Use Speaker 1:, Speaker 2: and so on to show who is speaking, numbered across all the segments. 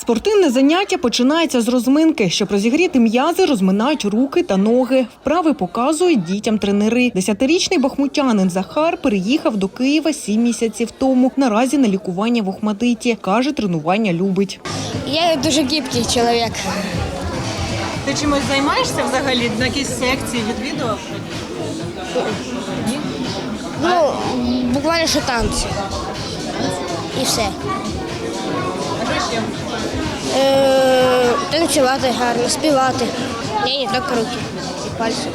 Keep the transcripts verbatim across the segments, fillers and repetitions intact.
Speaker 1: Спортивне заняття починається з розминки. Щоб розігріти м'язи, розминають руки та ноги. Вправи показують дітям тренери. Десятирічний бахмутянин Захар переїхав до Києва сім місяців тому. Наразі на лікування в Охматдиті. Каже, тренування любить.
Speaker 2: Я дуже гибкий чоловік.
Speaker 3: Ти чимось займаєшся взагалі? На якісь секції відвідував?
Speaker 2: Ну, буквально що танці. І все.
Speaker 3: А що ще?
Speaker 2: Е, танцювати гарно, співати. Ні, не тільки руки і пальці.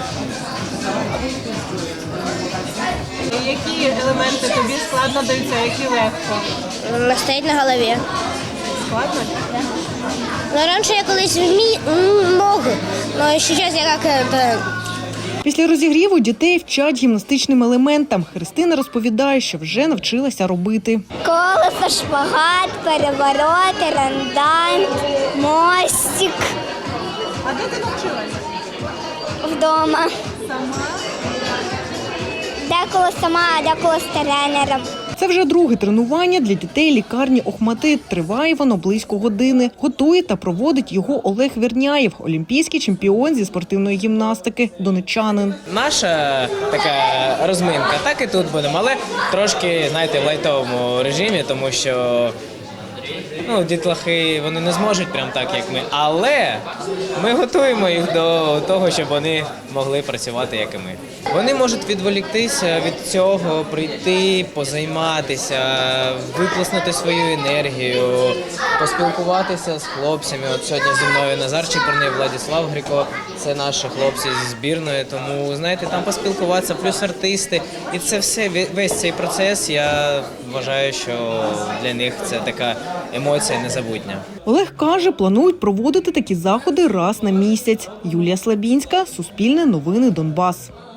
Speaker 3: І які елементи тобі складно даються, які легко?
Speaker 2: Настоять на голові.
Speaker 3: Складно?
Speaker 2: Ну, раніше я колись вмі... мог, але зараз я як... это...
Speaker 1: Після розігріву дітей вчать гімнастичним елементам. Христина розповідає, що вже навчилася робити.
Speaker 4: Колесо, шпагат, перевороти, рандань, мостик.
Speaker 3: А де ти навчилася?
Speaker 4: Вдома.
Speaker 3: Сама?
Speaker 4: Деколи сама, а деколи з тренером.
Speaker 1: Це вже друге тренування для дітей лікарні Охматдит. Триває воно близько години. Готує та проводить його Олег Верняєв, олімпійський чемпіон зі спортивної гімнастики, донеччанин.
Speaker 5: Наша така розминка, так і тут будемо, але трошки, знаєте, в лайтовому режимі, тому що ну, дітлахи, вони не зможуть прям так, як ми, але ми готуємо їх до того, щоб вони могли працювати, як і ми. Вони можуть відволіктися від цього, прийти, позайматися, виплеснути свою енергію, поспілкуватися з хлопцями. От сьогодні зі мною Назар Чепурний, Владислав Гріко, це наші хлопці зі збірної, тому, знаєте, там поспілкуватися, плюс артисти. І це все, весь цей процес, я вважаю, що для них це така емоція незабутня.
Speaker 1: Олег каже, планують проводити такі заходи раз на місяць. Юлія Слабінська, Суспільне новини, Донбас.